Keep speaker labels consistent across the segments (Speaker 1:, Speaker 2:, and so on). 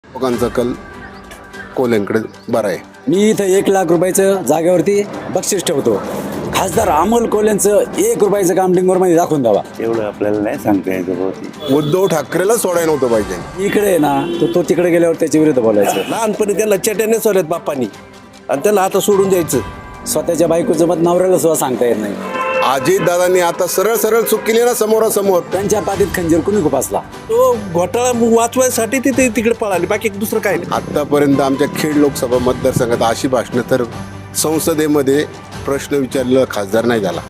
Speaker 1: लोकांचा कल कोल्यांकडे बरा आहे.
Speaker 2: मी इथं 1,00,000 रुपयाचं जागेवरती बक्षीस ठेवतो. खासदार अमोल कोल्यांचं 1 रुपयाचं काम डिंगोरमध्ये दाखवून द्यावा.
Speaker 3: एवढं आपल्याला नाही सांगता येतं बहुतेक.
Speaker 1: उद्धव ठाकरेला सोडायला नव्हतं पाहिजे.
Speaker 2: इकडे आहे ना तो तिकडे गेल्यावर त्याच्या विरुद्ध बोलायचं.
Speaker 4: लहानपणी त्याला चट्याने सोडल्यात बाप्पानी आणि त्याला आता सोडून द्यायचं.
Speaker 2: स्वतःच्या बायकोचं मत नवऱ्याला सुद्धा सांगता येत नाही.
Speaker 1: अजितदादांनी आता सरळ सरळ चूक केली ना समोरासमोर.
Speaker 2: त्यांच्या पाठीत खंजीर कुणी खुपासला.
Speaker 4: तो घोटाळा वाचवायसाठी तिथे तिकडे पळाली, बाकी दुसरं काय नाही.
Speaker 1: आतापर्यंत आमच्या खेड लोकसभा मतदारसंघात अशी भाषणं तर संसदेमध्ये प्रश्न विचारलेला खासदार नाही झाला.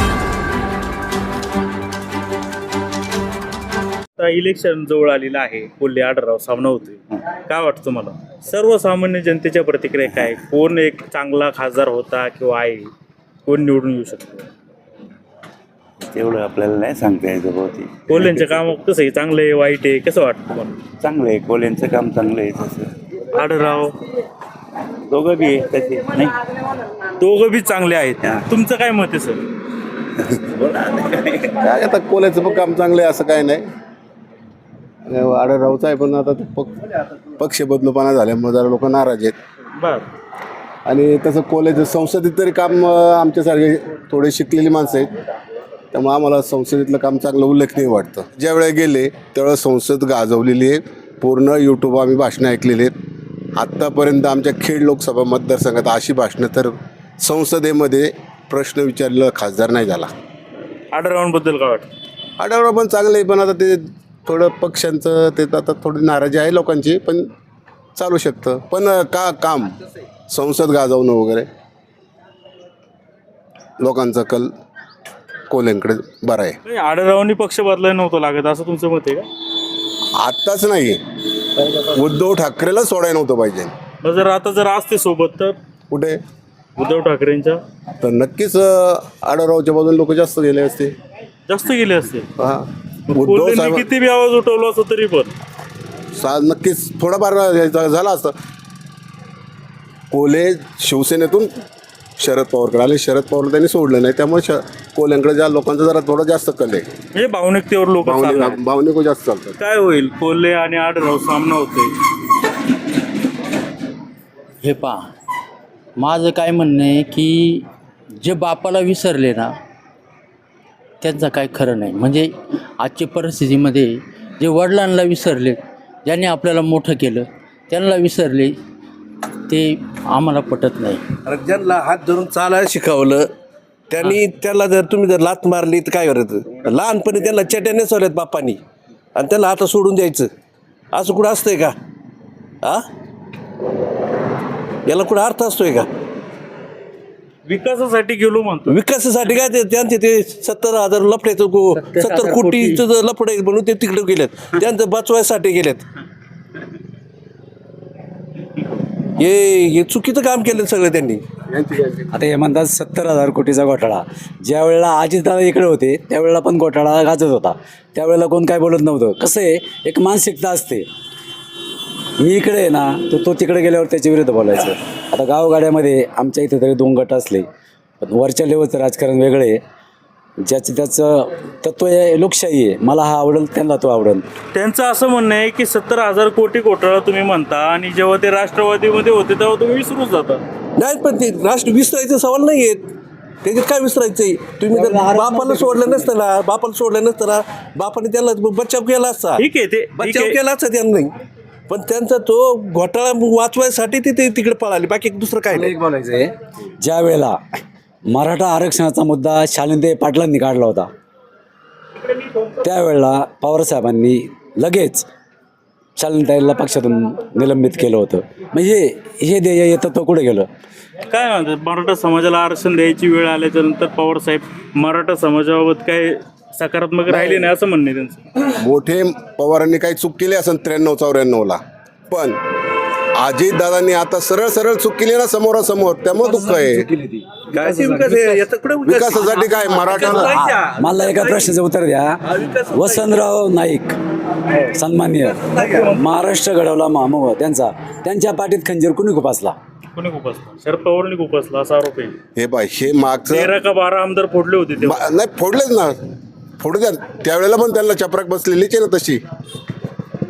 Speaker 5: आता इलेक्शन जवळ आलेलं आहे. कोल्हे आढळराव सामना होतोय. काय वाटतं तुम्हाला? सर्वसामान्य जनतेच्या प्रतिक्रिया काय? कोण एक चांगला खासदार होता किंवा आहे? कोण निवडून येऊ शकतो?
Speaker 3: तेवढं आपल्याला नाही सांगता येतं बहुतेक.
Speaker 5: कोल्ह्यांचं काम कसं आहे? चांगलं आहे, वाईट आहे? कसं वाटतं तुम्हाला?
Speaker 3: चांगलं आहे, कोल्यांचं काम चांगलं आहे तसं.
Speaker 5: आढळराव
Speaker 3: दोघं बी आहे तसे नाही.
Speaker 5: दोघं बी चांगले आहेत. तुमचं काय मत आहे सर?
Speaker 1: काय आता कोल्याचं पण काम चांगलं आहे असं काय नाही. आढळरावचं आहे पण आता पक्ष बदलूपणा झाल्यामुळे जरा लोक नाराज आहेत.
Speaker 5: बर.
Speaker 1: आणि तसं कोल्याचं संसदेत तरी काम आमच्यासारखे थोडे शिकलेली माणसं आहेत, त्यामुळे आम्हाला संसदेतलं काम चांगलं उल्लेखनीय वाटतं. ज्या वेळेला गेले त्यावेळेस संसद गाजवलेली आहे. पूर्ण यूट्यूब आम्ही भाषणं ऐकलेली आहेत. आत्तापर्यंत आमच्या खेड लोकसभा मतदारसंघात अशी भाषणं तर संसदेमध्ये प्रश्न विचारलेला खासदार नाही झाला.
Speaker 5: आढळरावांबद्दल काय वाटतं?
Speaker 1: आढळराव पण चांगलं आहे, पण आता ते थोडं पक्षांचं ते आता थोडी नाराजी आहे लोकांची, पण चालू शकतं. पण काम संसद गाजवणं वगैरे लोकांचा कल कोल्यांकडे बरा आहे.
Speaker 5: नाही, आढळरावांनी पक्ष बदलायला नव्हतं लागत असं तुमचं मत आहे का?
Speaker 1: आत्ताच नाही, उद्धव ठाकरेला सोडायला नव्हतं पाहिजे.
Speaker 5: मग आता जर असते सोबत तर
Speaker 1: कुठे
Speaker 5: उद्धव ठाकरेंच्या
Speaker 1: तर नक्कीच आढळरावच्या बाजूने लोक जास्त गेले असते.
Speaker 5: जास्त गेले असते.
Speaker 1: हा, उद्धव
Speaker 5: कोल्हेंनी
Speaker 1: साहेब
Speaker 5: किती बी आवाज उठवला असतो तरी पण
Speaker 1: नक्कीच थोडाफार झाला असतं. कोल्हे शिवसेनेतून शरद पवारकडे आले, शरद पवार त्यांनी सोडलं नाही, त्यामुळे कोल्ह्यांकडे ज्या लोकांचा जरा थोडा जास्त कल आहे.
Speaker 5: म्हणजे भावनिकतेवर लोक
Speaker 1: भावनिक जास्त चालतात.
Speaker 5: काय होईल? कोल्हे आणि आढळराव सामना होतोय.
Speaker 6: हे पहा, माझं काय म्हणणं आहे की जे बापाला विसरले ना त्यांचं काय खरं नाही. म्हणजे आजच्या परिस्थितीमध्ये जे वडिलांना विसरले, ज्यांनी आपल्याला मोठं केलं त्यांना विसरले, ते आम्हाला पटत नाही.
Speaker 4: अरे ज्यांना हात धरून चालायला शिकवलं त्यांनी त्याला जर तुम्ही जर लात मारली तर काय करायचं? लहानपणी त्याला चट्याने सोडल्यात बाप्पानी आणि त्याला आता सोडून द्यायचं. असं कुठं असतंय का? हा, याला कुठं अर्थ असतोय का?
Speaker 5: विकासासाठी गेलो म्हणतो.
Speaker 4: विकासासाठी काय ते त्यांचे ते 70,000 लफड्याचं 70 कोटीचं लफड आहे म्हणून ते तिकडे गेलेत. त्यांचं बचवायसाठी गेलेत. हे चुकीचं काम केलं सगळं त्यांनी.
Speaker 2: आता हे म्हणतात 70,000 कोटीचा घोटाळा. ज्या वेळेला अजितदादा इकडे होते त्यावेळेला पण घोटाळा गाजत होता. त्यावेळेला कोण काय बोलत नव्हतं. कसं आहे, एक मानसिकता असते. मी इकडे आहे ना तो तिकडे गेल्यावर त्याच्या विरुद्ध बोलायचं. आता गावगाड्यामध्ये आमच्या इथे तरी 2 गट असले, पण वरच्या लेवलचं राजकारण वेगळं आहे. ज्याचं त्याचं तत्व आहे, लोकशाही आहे. मला हा आवडेल त्यांना तो आवडेल.
Speaker 5: त्यांचं असं म्हणणं आहे की 70,000 कोटी घोटाळा तुम्ही म्हणता आणि जेव्हा ते राष्ट्रवादीमध्ये होते तेव्हा तुम्ही विसरून जाता.
Speaker 4: नाही, पण ते राष्ट्र विसरायचं सवाल नाही आहेत. त्याच्यात काय विसरायचंय? तुम्ही जर बापाला सोडलं नसतं ना, बापाने त्याला बचाव केला असता.
Speaker 5: ठीक आहे, ते
Speaker 4: बचाव केला असता त्यांनी, पण त्यांचा तो घोटाळा वाचवायसाठी ते तिकडे पळाली, बाकी दुसरं काय नाही.
Speaker 2: बोलायचं आहे, ज्या वेळेला मराठा आरक्षणाचा मुद्दा शालिंदे पाटलांनी काढला होता त्यावेळेला पवारसाहेबांनी लगेच शालिंताईला पक्षातून निलंबित केलं होतं. म्हणजे हे ध्येय येतं तो कुठे गेलं?
Speaker 5: काय म्हणतात, मराठा समाजाला आरक्षण द्यायची वेळ आल्याच्या नंतर पवारसाहेब मराठा समाजाबाबत काय सकारात्मक राहिले नाही असं म्हणणे त्यांचं.
Speaker 1: मोठे पवारांनी काही चूक केली असेल 93-94ला, पण अजितदादांनी आता सरळ सरळ चूक केली ना समोरासमोर, त्यामुळे दुःख आहे.
Speaker 4: काय ते विकास आहे? याचं कुठे विकास?
Speaker 1: विकासासाठी काय मराठा
Speaker 2: मला एका प्रश्नाचं उत्तर द्या. वसंतराव नाईक सन्माननीय महाराष्ट्र घडवला मामो त्यांच्या पाठीत खंजीर कुणी खुपासला?
Speaker 5: कोणी खुपसला? शरद पवारांनी खुपसला असा आरोप आहे.
Speaker 1: हे मागचं
Speaker 5: 13 का 12 आमदार फोडले होते तेव्हा.
Speaker 1: नाही, फोडलेच ना, फोडू द्या. त्यावेळेला पण त्यांना चपराक बसलेलीच आहे ना तशी.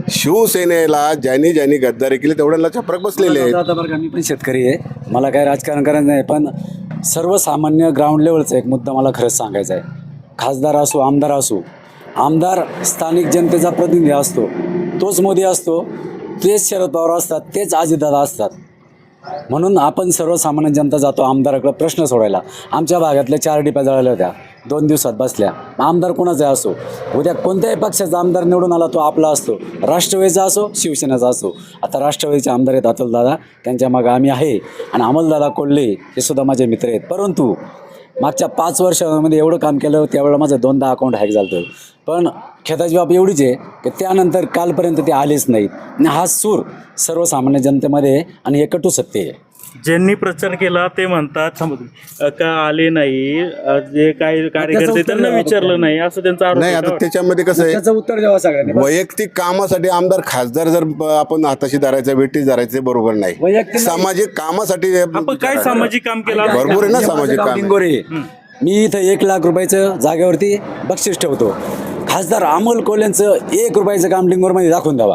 Speaker 1: शिवसेनेला ज्यांनी ज्यांनी गद्दारी केली तेवढ्याला चपराक बसलेले आहेत.
Speaker 2: आता बरं का, मी पण शेतकरी आहे, मला काय राजकारण करायचं नाही, पण सर्वसामान्य ग्राउंड लेवलचा एक मुद्दा मला खरंच सांगायचा आहे. खासदार असो, आमदार असो, आमदार स्थानिक जनतेचा प्रतिनिधी असतो, तोच मोदी असतो, तेच शरद पवार असतात, तेच अजितदादा असतात. म्हणून आपण सर्वसामान्य जनता जातो आमदाराकडे प्रश्न सोडायला. आमच्या भागातल्या 4 डिप्या जळाल्या होत्या, 2 दिवसात बसल्या. आमदार कोणाचा असो, उद्या कोणत्याही पक्षाचा आमदार निवडून आला तो आपला असतो, राष्ट्रवादीचा असो, शिवसेनेचा असो. आता राष्ट्रवादीचे आमदार आहेत अतुलदादा, त्यांच्या मागं आम्ही आहे, आणि अमलदादा कोल्हे हे सुद्धा माझे मित्र आहेत. परंतु मागच्या 5 वर्षामध्ये एवढं काम केलं, त्यावेळेला माझं 2दा अकाउंट हॅक झालं होतं. पण खेदाची बाब एवढीच आहे की त्यानंतर कालपर्यंत ते आलेच नाहीत. आणि हा सूर सर्वसामान्य जनतेमध्ये आहे, आणि हे कटू सत्य आहे.
Speaker 5: ज्यांनी प्रचार केला ते म्हणतात का आले नाही, जे काही कार्यकर्ते त्यांना विचारलं नाही, असं त्यांचा आरोप
Speaker 1: नाही,
Speaker 5: आहे.
Speaker 1: आता त्याच्यामध्ये कसं आहे,
Speaker 2: त्याचं उत्तर द्यावं सगळ्यांनी.
Speaker 1: वैयक्तिक कामासाठी आमदार खासदार जर आपण हाताशी धरायचं, वेटीस धरायचं बरोबर नाही.
Speaker 2: वैयक्तिक
Speaker 1: सामाजिक कामासाठी
Speaker 5: आपण काय सामाजिक काम केलं
Speaker 1: भरपूर आहे ना सामाजिक काम.
Speaker 2: डिंगोरे, मी इथं 1 लाख रुपयाचं जागेवरती बक्षीस ठेवतो. खासदार अमोल कोल्हेंचं 1 रुपयाचं काम डिंगोरमध्ये दाखवून द्यावा.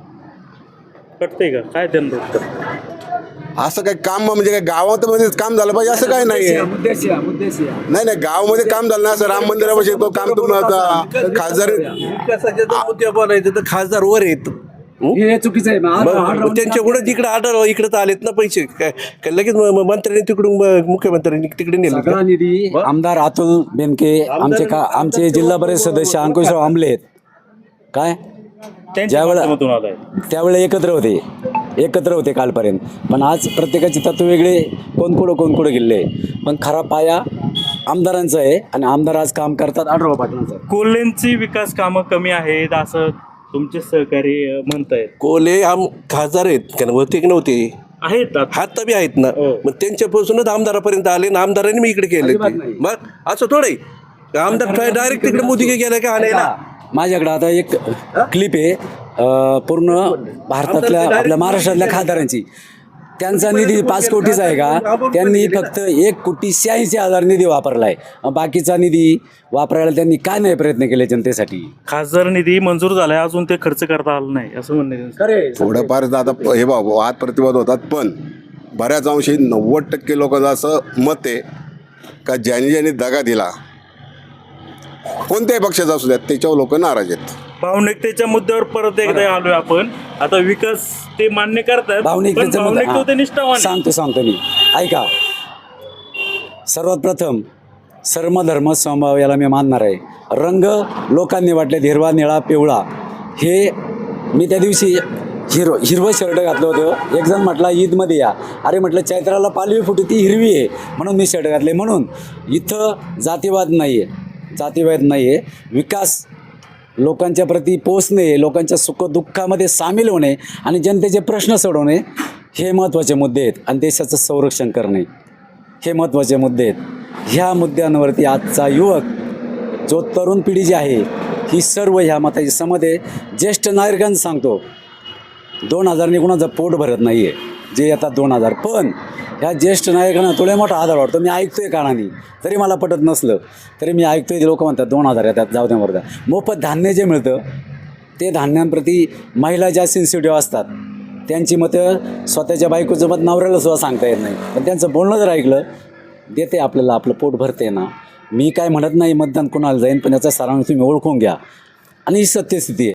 Speaker 5: कटतंय का काय त्यांना उत्तर?
Speaker 1: असं काही काम म्हणजे काय गावात मध्ये काम झालं पाहिजे असं काय नाहीये. नाही, गावामध्ये काम झालं ना, असं राम मंदिरापाशी तो काम तुम्हाला खासदार
Speaker 4: विकासाचे जर मुद्दे बोलायचे तर खासदार वर आहेत.
Speaker 2: हे चुकीचं आहे.
Speaker 4: मग त्यांच्याकडे जिकडे आढळ इकडे तर आलेत ना पैसे, काय लगेच मंत्र्यांनी तिकडून मुख्यमंत्र्यांनी तिकडे नेले
Speaker 2: सगळा निधी आमदार अतुल बेनके, आमचे जिल्हा परिषद सदस्य अंकुशराव आंबले आहेत. काय
Speaker 5: त्यांच्या माध्यमातून आलाय.
Speaker 2: त्यावेळेला एकत्र होते कालपर्यंत, पण आज प्रत्येकाची तत्व वेगळे, कोण कुठं गेले. पण खरा पाया आमदारांचा आहे, आणि आमदार आज काम करतात आढळराव पाटलांचं.
Speaker 5: कोल्हेंची विकास कामं कमी आहेत असं तुमचे सहकारी म्हणतायत.
Speaker 4: कोले खासदार आहेत, कारण होते की नव्हते,
Speaker 5: आहेत आता.
Speaker 4: हात बी आहेत ना. मग त्यांच्यापासूनच आमदारापर्यंत आले ना, आमदारांनी मी इकडे केले. मग असं थोडं आमदार डायरेक्ट तिकडे मोदी गेला का आणायला.
Speaker 2: माझ्याकडे आता एक क्लिप आहे, पूर्ण भारतातल्या आपल्या महाराष्ट्रातल्या खासदारांची. त्यांचा निधी 5 कोटीचा आहे का, त्यांनी फक्त 1,86,000 निधी वापरला आहे. बाकीचा निधी वापरायला त्यांनी काय नाही प्रयत्न केले जनतेसाठी.
Speaker 5: खासदार निधी मंजूर झालाय, अजून ते खर्च करता आलं नाही असं म्हणणं आहे त्यांचं.
Speaker 1: थोडंफार आता हे वाद प्रतिवाद होतात, पण बऱ्याच अंशी 90% लोकांचं असं मत आहे का ज्यांनी दगा दिला, कोणत्याही पक्षाचा असू द्या, त्याच्यावर लोक नाराज आहेत.
Speaker 5: भावनिकतेच्या मुद्द्यावर परत एकदा आलोय आपण. आता विकास ते मान्य करतात,
Speaker 2: भावनिकतेचा
Speaker 5: पण भावनिकता ते निष्ठावान आहे.
Speaker 2: सांगतो मी, ऐका. सर्वात प्रथम सर्वधर्म समभाव याला मी मानणार आहे. रंग लोकांनी वाटले हिरवा, निळा, पिवळा. हे मी त्या दिवशी हिरवं शर्ट घातलं होतं. एक जण म्हटला ईदमध्ये या, अरे म्हटलं चैत्राला पालवी फुटी ती हिरवी आहे म्हणून मी शर्ट घातले. म्हणून इथं जातीवाद नाही आहे. विकास लोकांच्या प्रती पोचणे, लोकांच्या सुखदुःखामध्ये सामील होणे आणि जनतेचे प्रश्न सोडवणे हे महत्त्वाचे मुद्दे आहेत. आणि देशाचं संरक्षण करणे हे महत्त्वाचे मुद्दे आहेत. ह्या मुद्द्यांवरती आजचा युवक, जो तरुण पिढी जी आहे, ही सर्व ह्या मताची समज आहे. ज्येष्ठ नागरिकांचं सांगतो, 2000 कुणाचं पोट भरत नाही आहे, जे येतात 2000. पण ह्या ज्येष्ठ नागरिकांना थोडा मोठा आधार वाटतो. मी ऐकतोय कानाने, तरी मला पटत नसलं तरी मी ऐकतोय. लोक म्हणतात 2000 येतात, जाऊ द्या मरदा. मोफत धान्य जे मिळतं ते धान्यांप्रती महिला ज्या सेन्सिटिव्ह असतात, त्यांची मतं स्वतःच्या बायकोचं मत नवऱ्याला सुद्धा सांगता येत नाही. पण त्यांचं बोलणं जर ऐकलं, देते आपल्याला, आपलं पोट भरते ना. मी काय म्हणत नाही मतदान कोणाला जाईन, पण याचा सारांश तुम्ही ओळखून घ्या. आणि ही सत्यस्थिती आहे.